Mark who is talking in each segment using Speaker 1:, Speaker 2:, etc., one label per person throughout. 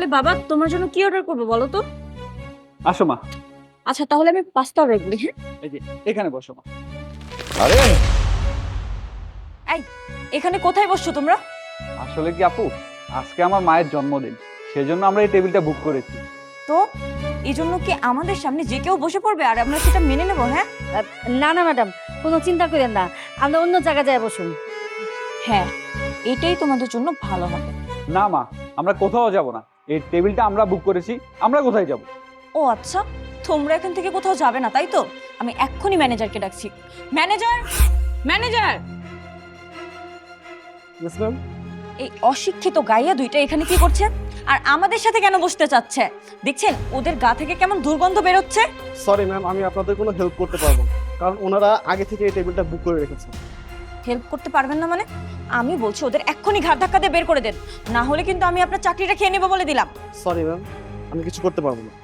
Speaker 1: তাহলে বাবা তোমার জন্য কি অর্ডার করবো বলো তো?
Speaker 2: আসো মা,
Speaker 1: আচ্ছা তাহলে আমি পাস্তা অর্ডার করি। হ্যাঁ
Speaker 2: এই যে এখানে বসো মা।
Speaker 3: আরে
Speaker 1: এই এখানে কোথায় বসছো তোমরা?
Speaker 2: আসলে কি আপু, আজকে আমার মায়ের জন্মদিন, সেজন্য আমরা এই টেবিলটা বুক করেছি।
Speaker 1: তো এই জন্য কি আমাদের সামনে যে কেউ বসে পড়বে আর আমরা সেটা মেনে নেবো? হ্যাঁ
Speaker 4: না না ম্যাডাম, কোনো চিন্তা করেন না, আমরা অন্য জায়গায় যাই বসুন।
Speaker 1: হ্যাঁ এটাই তোমাদের জন্য ভালো হবে।
Speaker 2: না মা, আমরা কোথাও যাব না, এই টেবিলটা আমরা বুক করেছি, আমরা কোথায় যাব?
Speaker 1: ও আচ্ছা, তোমরা এখান থেকে কোথাও যাবে না তাই তো? আমি এক্ষুনি ম্যানেজারকে ডাকছি। Manager, manager! এই অশিক্ষিত গাইয়া দুইটা এখানে কি করছে আর আমাদের সাথে কেন বসতে চাচ্ছে? দেখছেন ওদের গা থেকে কেমন দুর্গন্ধ বেরোচ্ছে।
Speaker 5: সরি ম্যাম, আমি আপনাদের কোনো হেল্প করতে পারবো না, কারণ ওনারা আগে থেকে এই টেবিলটা বুক করে রেখেছেন।
Speaker 1: হেল্প করতে পারবেন না মানে? আমি বলছি ওদের এক্ষুনি ঘাট ধাক্কা দিয়ে বের করে দেন, না হলে কিন্তু আমি আপনার চাকরিটা খেয়ে নেবো বলে দিলাম।
Speaker 5: সরি ম্যাম, আমি কিছু করতে পারবো না।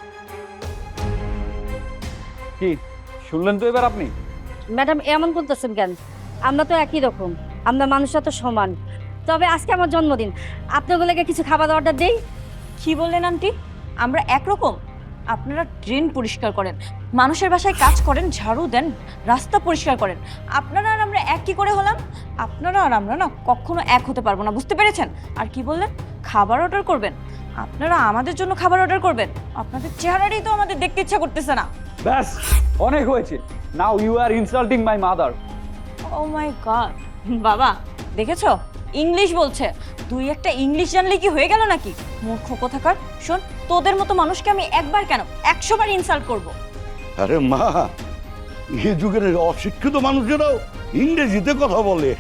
Speaker 2: কি শুনলেন তো এবার আপনি?
Speaker 4: ম্যাডাম এমন বলতেছেন কেন? আমরা তো একই রকম, আমরা মানুষরা তো সমান। তবে আজকে আমার জন্মদিন, আপনাগুলোকে কিছু খাবার অর্ডার দেই।
Speaker 1: কি বললেন আন্টি? আমরা একরকম? আপনারা ড্রেন পরিষ্কার করেন, মানুষের বাসায় কাজ করেন, ঝাড়ু দেন, রাস্তা পরিষ্কার করেন। আপনারা আর আমরা এক কি করে হলাম? আপনারা আর আমরা না কখনো এক হতে পারবো না, বুঝতে পেরেছেন? আর কি বললেন খাবার অর্ডার করবেন? আপনারা আমাদের জন্য খাবার অর্ডার করবেন? আপনাদের চেহারাটাই তো আমাদের দেখতে ইচ্ছা করতেছে না।
Speaker 2: ব্যাস, অনেক হয়েছে। Now you are insulting my mother.
Speaker 1: Oh my god! বাবা দেখেছো ইংলিশ বলছে, তুই একটা ইংলিশ জানলে কি হয়ে গেল নাকি? মূর্খ কোথাকার! শোন, তোদের মতো মানুষকে আমি একবার কেন 100 বার ইনসাল্ট করব।
Speaker 3: আরে মা, এই যুগের অশিক্ষিত মানুষেরাও ইংরেজিতে কথা বলে।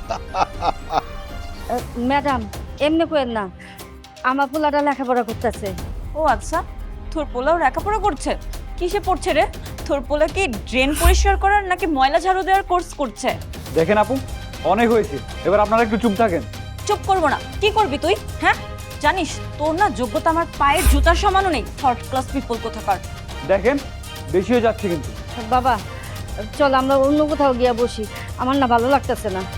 Speaker 4: ম্যাডাম এমনি করেন না, আমার পোলাটা লেখাপড়া করতেছে।
Speaker 1: ও আচ্ছা, তোর পোলাও লেখাপড়া করছে? কিসে পড়ছে রে? তোর পোলা কি ড্রেন পরিষ্কার করার নাকি ময়লা ঝাড়ু দেওয়ার কোর্স করছে?
Speaker 2: দেখেন আপু, অনেক হয়েছে, এবার আপনারা একটু চুপ থাকেন।
Speaker 1: চুপ করবো না। কি করবি তুই? হ্যাঁ জানিস তোর না যোগ্যতা আমার পায়ের জুতার সমানও নেই। থার্ড ক্লাস পিপল কোথাকার।
Speaker 2: দেখেন বেশি হয়ে যাচ্ছে কিন্তু।
Speaker 4: বাবা চল আমরা অন্য কোথাও গিয়ে বসি, আমার না ভালো লাগতেছে না।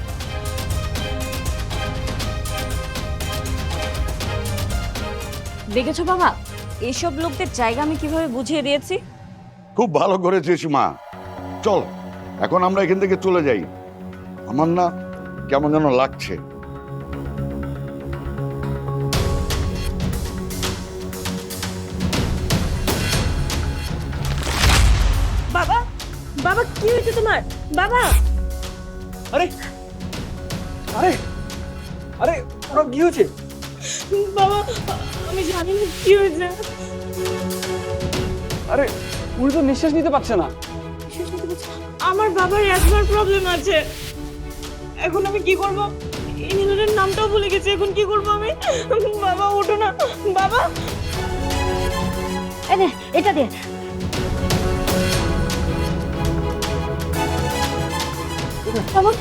Speaker 1: দেখেছো বাবা, এইসব লোকদের জায়গা আমি কিভাবে বুঝিয়ে দিয়েছি?
Speaker 3: খুব ভালো করেছিস মা। চল এখন আমরা এখান থেকে চলে যাই, আমার না কেমন যেন লাগছে।
Speaker 1: বাবা, বাবা কি হয়েছে তোমার? বাবা!
Speaker 2: আরে আরে আরে ওরা কি হয়েছে?
Speaker 1: বাবা আমি জানি না কি হয়েছে।
Speaker 2: আরে উনি তো নিঃশ্বাস নিতে পারছে না।
Speaker 1: আমার বাবার অ্যাজমার প্রবলেম আছে, এখন আমি কি করব? ইনহেলারের নামটাও ভুলে গেছি, এখন কি করব আমি? বাবা ওঠো না বাবা।
Speaker 4: এই নে, এটা দে। বাবা,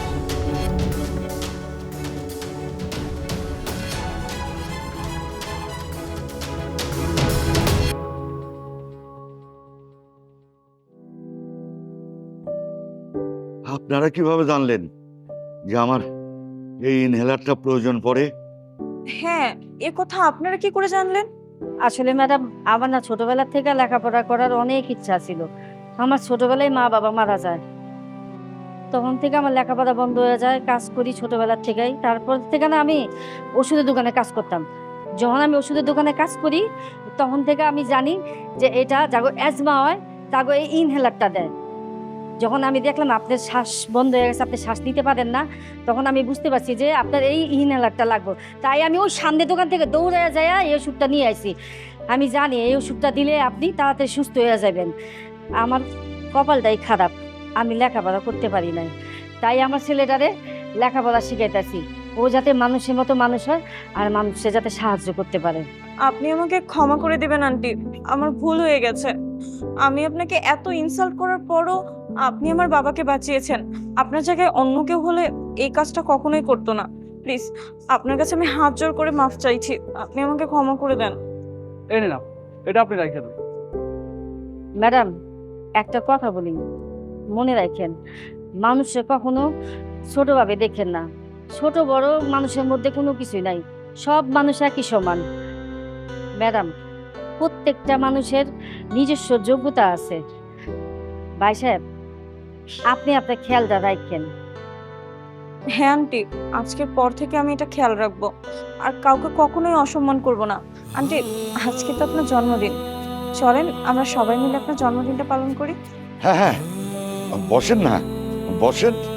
Speaker 3: আপনারা কিভাবে জানলেন যে আমার এই ইনহেলারটা প্রয়োজন পড়ে?
Speaker 1: হ্যাঁ, এ কথা আপনারা কি করে জানলেন?
Speaker 4: আসলে ম্যাডাম আমার না ছোটবেলা থেকে লেখাপড়া করার অনেক ইচ্ছা ছিল। আমার ছোটবেলায় মা বাবা মারা যায়, তখন থেকে আমার লেখাপড়া বন্ধ হয়ে যায়। কাজ করি ছোটবেলার থেকেই, তারপর থেকে না আমি ওষুধের দোকানে কাজ করতাম। যখন আমি ওষুধের দোকানে কাজ করি তখন থেকে আমি জানি যে এটা যাগো অ্যাজমা হয় তাগো এই ইনহেলারটা দেয়। যখন আমি দেখলাম আপনার শ্বাস বন্ধ হয়ে গেছে, আপনি শ্বাস নিতে পারেন না, তখন আমি বুঝতে পারছি যে আপনার এই ইনহেলারটা লাগবে। তাই আমি ওই সামনের দোকান থেকে দৌড়ে যায় এই ওষুধটা নিয়ে আসি। আমি জানি এই ওষুধটা দিলে আপনি তাড়াতাড়ি সুস্থ হয়ে যাবেন। আমার কপালটাই খারাপ, আমি লেখাপড়া করতে পারি নাই, তাই আমার ছেলেটারে লেখাপড়া শিখাইতেছি, ও যাতে মানুষের মতো মানুষ হয় আর মানুষে যাতে সাহায্য করতে পারে।
Speaker 1: আপনি আমাকে ক্ষমা করে দিবেন আন্টি, আমার ভুল হয়ে গেছে। আমি আপনাকে এত ইনসাল্ট করার পরও আপনি আমার বাবাকে বাঁচিয়েছেন। আপনার জায়গায় অন্য কেউ হলে এই কাজটা কখনোই করতো না। প্লিজ আপনার কাছে আমি হাত জোড় করে মাফ চাইছি, আপনি আমাকে ক্ষমা করে দেন।
Speaker 2: এই না, এটা আপনি রাখেন।
Speaker 4: ম্যাডাম একটা কথা বলি, মনে রাখেন মানুষে কখনো ছোটভাবে দেখেন না। ছোট বড় মানুষের মধ্যে কোনো কিছুই নাই, সব মানুষ একই সমান। ম্যাডাম, প্রত্যেকটা মানুষের নিজস্ব যোগ্যতা আছে। ভাই সাহেব, আপনি আপনার খেয়ালটা রাখেন।
Speaker 1: হ্যাঁ আন্টি, আজকের পর থেকে আমি এটা খেয়াল রাখবো আর কাউকে কখনোই অসম্মান করব না। আন্টি, আজকে তো আপনার জন্মদিন, চলেন আমরা সবাই মিলে আপনার জন্মদিনটা পালন করি।
Speaker 3: হ্যাঁ হ্যাঁ, বসেন না, বসেন।